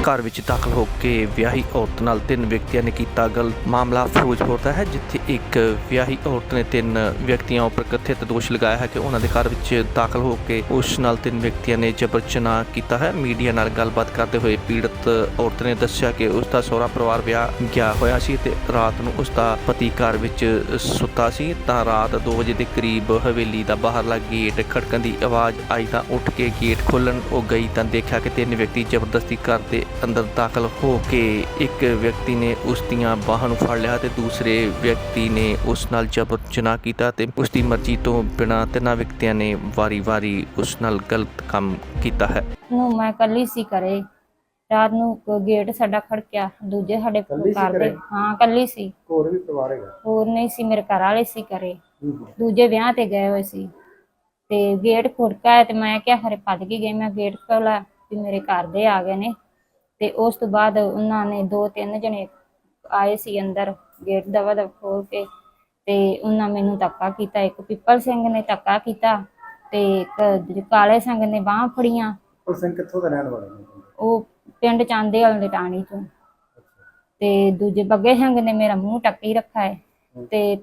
ਘਰ ਵਿੱਚ ਦਾਖਲ ਹੋ ਕੇ ਵਿਆਹੀ ਔਰਤ ਨਾਲ 3 ਵਿਅਕਤੀਆਂ ਨੇ ਕੀਤਾ ਗਲਤ। ਮਾਮਲਾ ਫਿਰੋਜ਼ਪੁਰ ਦਾ ਹੈ, ਜਿੱਥੇ ਇੱਕ ਵਿਆਹੀ ਔਰਤ ਨੇ 3 ਵਿਅਕਤੀਆਂ ਉੱਪਰ ਕਥਿਤ ਦੋਸ਼ ਲਗਾਇਆ ਹੈ ਕਿ ਉਹਨਾਂ ਦੇ ਘਰ ਵਿੱਚ ਦਾਖਲ ਹੋ ਕੇ ਉਸ ਨਾਲ 3 ਵਿਅਕਤੀਆਂ ਨੇ ਜਬਰ ਜਨਾਹ ਕੀਤਾ ਹੈ। ਮੀਡੀਆ ਨਾਲ ਗੱਲਬਾਤ ਕਰਦੇ ਹੋਏ ਪੀੜਤ ਔਰਤ ਨੇ ਦੱਸਿਆ ਕਿ ਉਸ ਦਾ ਸਹੁਰਾ ਪਰਿਵਾਰ ਵਿਆਹ ਗਿਆ ਹੋਇਆ ਸੀ ਤੇ ਰਾਤ ਨੂੰ ਉਸ ਦਾ ਪਤੀ ਘਰ ਵਿੱਚ ਸੁੱਤਾ ਸੀ ਤਾਂ ਰਾਤ 2 ਵਜੇ ਦੇ ਕਰੀਬ ਹਵੇਲੀ ਦਾ ਬਾਹਰਲਾ ਗੇਟ ਖੜਕਣ ਦੀ ਆਵਾਜ਼ ਆਈ ਤਾਂ ਉੱਠ ਕੇ ਗੇਟ ਖੋਲ੍ਹਣ ਉਹ ਗਈ ਤਾਂ ਦੇਖਿਆ ਕਿ 3 ਵਿਅਕਤੀ ਜ਼ਬਰਦਸਤੀ ਘਰ ਦੇ ਅੰਦਰ ਦਾਖਲ ਹੋ ਕੇ ਇੱਕ ਵਿਅਕਤੀ ਨੇ ਉਸ ਦੀਆਂ ਬਾਹਾਂ ਨੂੰ ਫੜ ਲਿਆ ਤੇ ਦੂਸਰੇ ਵਿਅਕਤੀ ਨੇ ਉਸ ਨਾਲ ਜਬਰ ਜਨਾਹ ਕੀਤਾ ਤੇ ਉਸ ਦੀ ਮਰਜ਼ੀ ਤੋਂ ਬਿਨਾਂ 3 ਵਿਅਕਤੀਆਂ ਨੇ ਵਾਰੀ-ਵਾਰੀ ਉਸ ਨਾਲ ਗਲਤ ਕੰਮ ਕੀਤਾ ਹੈ। ਮੈਂ ਕੱਲੀ ਸੀ ਘਰੇ। ਰਾਤ ਨੂੰ ਗੇਟ ਸਾਡਾ ਖੜਕਿਆ, ਦੂਜੇ ਸਾਡੇ ਘਰ ਦੇ ਹਾਂ ਕੱਲੀ ਸੀ। ਹੋਰ ਵੀ ਪਰਿਵਾਰ ਹੈਗਾ? ਹੋਰ ਨਹੀਂ ਸੀ, ਮੇਰੇ ਘਰ ਵਾਲੇ ਸੀ ਘਰੇ, ਦੂਜੇ ਵਿਆਹ ਤੇ ਗਏ ਹੋਏ ਸੀ ਤੇ ਗੇਟ ਖੁੜਕਾ ਤੇ ਮੈਂ ਕਿਹਾ ਖਰੇ ਭੱਜ ਕੇ ਗਈ। ਮੈਂ ਗੇਟ ਖੋਲ੍ਹਿਆ ਵੀ ਮੇਰੇ ਘਰ ਦੇ ਆ ਗਏ ਨੇ ਤੇ ਉਸ ਤੋਂ ਬਾਅਦ ਉਹਨਾਂ ਨੇ 2-3 ਜਣੇ ਆਏ ਸੀ ਅੰਦਰ, ਗੇਟ ਦਵਾ ਖੋਲ ਕੇ ਤੇ ਉਹਨਾਂ ਮੈਨੂੰ ਧੱਕਾ ਕੀਤਾ। ਇੱਕ ਪਿੱਪਲ ਸਿੰਘ ਨੇ ਧੱਕਾ ਕੀਤਾ ਤੇ ਇੱਕ ਕਾਲੇ ਸਿੰਘ ਨੇ ਬਾਹਾਂ ਫੜੀਆਂ। ਪਿੱਪਲ ਸਿੰਘ ਕਿੱਥੋਂ ਦਾ ਰਹਿਣ ਵਾਲਾ ਨੇ? ਉਹ ਪਿੰਡ ਚਾਂਦੇ ਵਾਲੇ ਦੇ ਟਾਣੀ ਚੋਂ। ਤੇ ਦੂਜੇ ਬੱਗੇ ਸਿੰਘ ਨੇ ਮੇਰਾ ਮੂੰਹ ਟੱਕੀ ਰੱਖਾ ਹੈ ਤੇ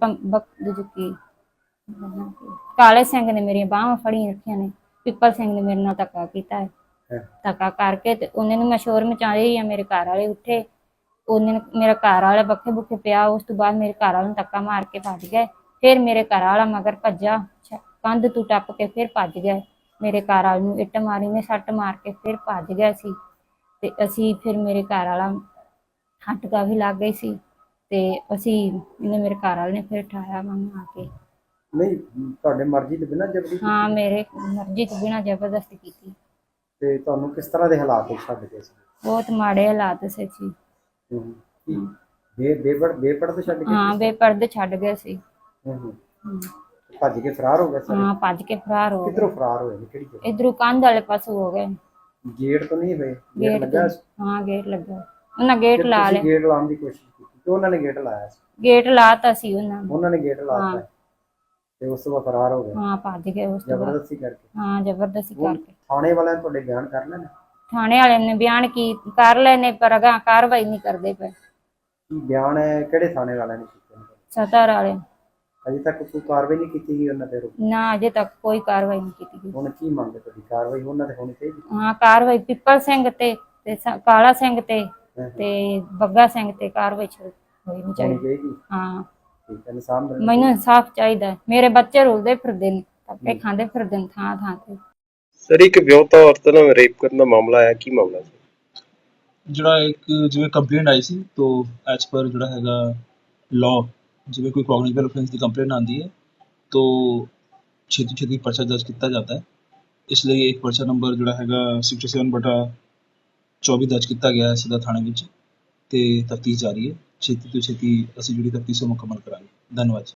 ਕਾਲੇ ਸਿੰਘ ਨੇ ਮੇਰੀਆਂ ਬਾਹਾਂ ਫੜੀਆਂ ਰੱਖੀਆਂ ਨੇ। ਪਿੱਪਲ ਸਿੰਘ ਨੇ ਮੇਰੇ ਨਾਲ ਧੱਕਾ ਕੀਤਾ ਹੈ। ਧੱਕਾ ਕਰਕੇ ਤੇ ਉਹਨੇ ਨੂੰ ਮੈਂ ਸ਼ੋਰ ਮਚਾ ਰਹੀ ਆ, ਮੇਰੇ ਘਰ ਵਾਲੇ ਉੱਠੇ, ਉਹਨੇ ਮੇਰਾ ਘਰ ਵਾਲਾ ਬੱਖੇ ਬੁੱਖੇ ਪਿਆ। ਉਸ ਤੋਂ ਬਾਅਦ ਮੇਰੇ ਘਰ ਵਾਲੇ ਨੂੰ ਧੱਕਾ ਮਾਰ ਕੇ ਭੱਜ ਗਏ। ਫਿਰ ਮੇਰੇ ਘਰ ਵਾਲਾ ਮਗਰ ਭੱਜਾ, ਕੰਧ ਤੋਂ ਟੱਪ ਕੇ ਫਿਰ ਭੱਜ ਗਏ। ਮੇਰੇ ਘਰ ਵਾਲੇ ਨੂੰ ਇੱਟ ਮਾਰੀ ਨੇ, ਸੱਟ ਮਾਰ ਕੇ ਫਿਰ ਭੱਜ ਗਿਆ ਸੀ ਤੇ ਅਸੀਂ ਫਿਰ ਮੇਰੇ ਘਰ ਵਾਲਾ ਹੱਟਕਾ ਵੀ ਲੱਗ ਗਈ ਸੀ ਤੇ ਇਹਨੇ ਮੇਰੇ ਘਰ ਵਾਲੇ ਨੇ ਫਿਰ ਠਾਇਆ ਮੈਨੂੰ ਆ ਕੇ। ਨਹੀਂ, ਤੁਹਾਡੇ ਮਰਜ਼ੀ ਤੋਂ ਬਿਨਾਂ ਜ਼ਬਰਦਸਤੀ? ਹਾਂ, ਮੇਰੇ ਮਰਜ਼ੀ ਤੋਂ ਬਿਨਾਂ ਜ਼ਬਰਦਸਤੀ ਕੀਤੀ। ਤੇ ਤੁਹਾਨੂੰ ਕਿਸ ਤਰ੍ਹਾਂ ਦੇ ਹਾਲਾਤ ਛੱਡ ਗਏ ਸੀ? ਬਹੁਤ ਮਾੜੇ ਹਾਲਾਤ ਸੀ ਜੀ। ਬੇਪਰਦ ਛੱਡ ਗਏ? ਹਾਂ, ਬੇਪਰਦ ਛੱਡ ਗਏ ਸੀ। ਭੱਜ ਕੇ ਫਰਾਰ ਹੋ ਗਏ ਸਾਰੇ? ਹਾਂ, ਭੱਜ ਕੇ ਫਰਾਰ ਹੋ ਗਏ। ਕਿੱਧਰੋਂ ਫਰਾਰ ਹੋਏ? ਕਿਹੜੀ ਜਗ੍ਹਾ? ਇਧਰੋਂ ਕੰਧ ਵਾਲੇ ਪਾਸੋਂ ਹੋ ਗਏ। ਗੇਟ ਤੋਂ ਨਹੀਂ ਹੋਏ? ਗੇਟ ਲੱਗਾ? ਹਾਂ, ਗੇਟ ਲੱਗਾ। ਉਹਨਾਂ ਗੇਟ ਲਾ ਲਿਆ। ਗੇਟ ਲਾਉਣ ਦੀ ਕੋਸ਼ਿਸ਼ ਕੀਤੀ ਤੇ ਉਹਨਾਂ ਨੇ ਗੇਟ ਲਾਇਆ ਸੀ? ਗੇਟ ਲਾਤਾ ਸੀ ਉਹਨਾਂ ਨੇ ਗੇਟ ਲਾਤਾ ਤੇ ਉਸ ਤੋਂ ਬਾਅਦ ਫਰਾਰ ਹੋ ਗਏ? ਹਾਂ, ਭੱਜ ਗਏ ਉਸ ਤੋਂ ਬਾਅਦ ਜ਼ਬਰਦਸਤੀ ਕਰਕੇ? ਹਾਂ, ਜ਼ਬਰਦਸਤੀ ਕਰਕੇ। ਥਾਣੇ ਵਾਲਿਆਂ ਨੇ ਤੁਹਾਡੇ ਬਿਆਨ ਕਰ ਲੈਣੇ? ਥਾਣੇ ਵਾਲਿਆਂ ਨੇ ਬਿਆਨ ਕਰ ਲਏ ਨੇ ਪਰ ਅਗਾਂਹ ਕਾਰਵਾਈ ਨਹੀਂ ਕਰਦੇ ਪਏ। ਕੀ ਬਿਆਨ ਹੈ? ਕਿਹੜੇ ਥਾਣੇ ਵਾਲਿਆਂ ਨੇ ਕੀਤੇ? ਸਤਰ ਵਾਲੇ। ਅਜੇ ਤੱਕ ਕੋਈ ਕਾਰਵਾਈ ਨਹੀਂ ਕੀਤੀ ਗਈ ਉਹਨਾਂ ਤੇ? ਨਾ, ਅਜੇ ਤੱਕ ਕੋਈ ਕਾਰਵਾਈ ਨਹੀਂ ਕੀਤੀ ਗਈ। ਹੁਣ ਕੀ ਮੰਗਦੇ ਤੁਹਾਡੀ? ਕਾਰਵਾਈ ਉਹਨਾਂ ਤੇ ਹੋਣੀ ਚਾਹੀਦੀ? ਹਾਂ, ਕਾਰਵਾਈ ਪਿੱਪਲ ਸਿੰਘ ਤੇ ਕਾਲਾ ਸਿੰਘ ਤੇ ਬੱਗਾ ਸਿੰਘ ਤੇ ਕਾਰਵਾਈ ਹੋਣੀ ਚਾਹੀਦੀ। ਹਾਂ, ਮੈਨੂੰ ਇਨਸਾਫ ਚਾਹੀਦਾ। ਮੇਰੇ ਬੱਚੇ ਰੁਲਦੇ ਫਿਰਦੇ ਨੇ, ਧੱਕੇ ਖਾਂਦੇ ਫਿਰਦੇ ਨੇ ਥਾਂ ਥਾਂ ਤੇ। ਸਰ, ਇੱਕ ਵਿਆਹੁਤਾ ਔਰਤ ਨਾਲ ਰੇਪ ਕਰਨ ਦਾ ਮਾਮਲਾ ਆਇਆ, ਕੀ ਮਾਮਲਾ ਸੀ? ਜਿਹੜਾ ਇੱਕ ਜਿਵੇਂ ਕੰਪਲੇਂਟ ਆਈ ਸੀ ਤਾਂ ਐਜ਼ ਪਰ ਜਿਹੜਾ ਹੈਗਾ ਲਾਅ, ਜਿਵੇਂ ਕੋਈ ਕੌਗਨੀਟਿਵ ਅਫੈਂਸ ਦੀ ਕੰਪਲੇਂਟ ਆਉਂਦੀ ਹੈ ਤਾਂ ਛੇਤੀ ਪਰਚਾ ਦਰਜ ਕੀਤਾ ਜਾਂਦਾ ਹੈ। ਇਸ ਲਈ ਇੱਕ ਪਰਚਾ ਨੰਬਰ ਜਿਹੜਾ ਹੈਗਾ 67/24 ਦਰਜ ਕੀਤਾ ਗਿਆ ਹੈ ਸਦਰ ਥਾਣੇ ਵਿੱਚ ਤੇ ਤਫਤੀਸ਼ ਜਾਰੀ ਹੈ। ਛੇਤੀ ਤੋਂ ਛੇਤੀ ਅਸੀਂ ਜਿਹੜੀ ਤਫਤੀਸ਼ ਉਹ ਮੁਕੰਮਲ ਕਰਾਂਗੇ। ਧੰਨਵਾਦ।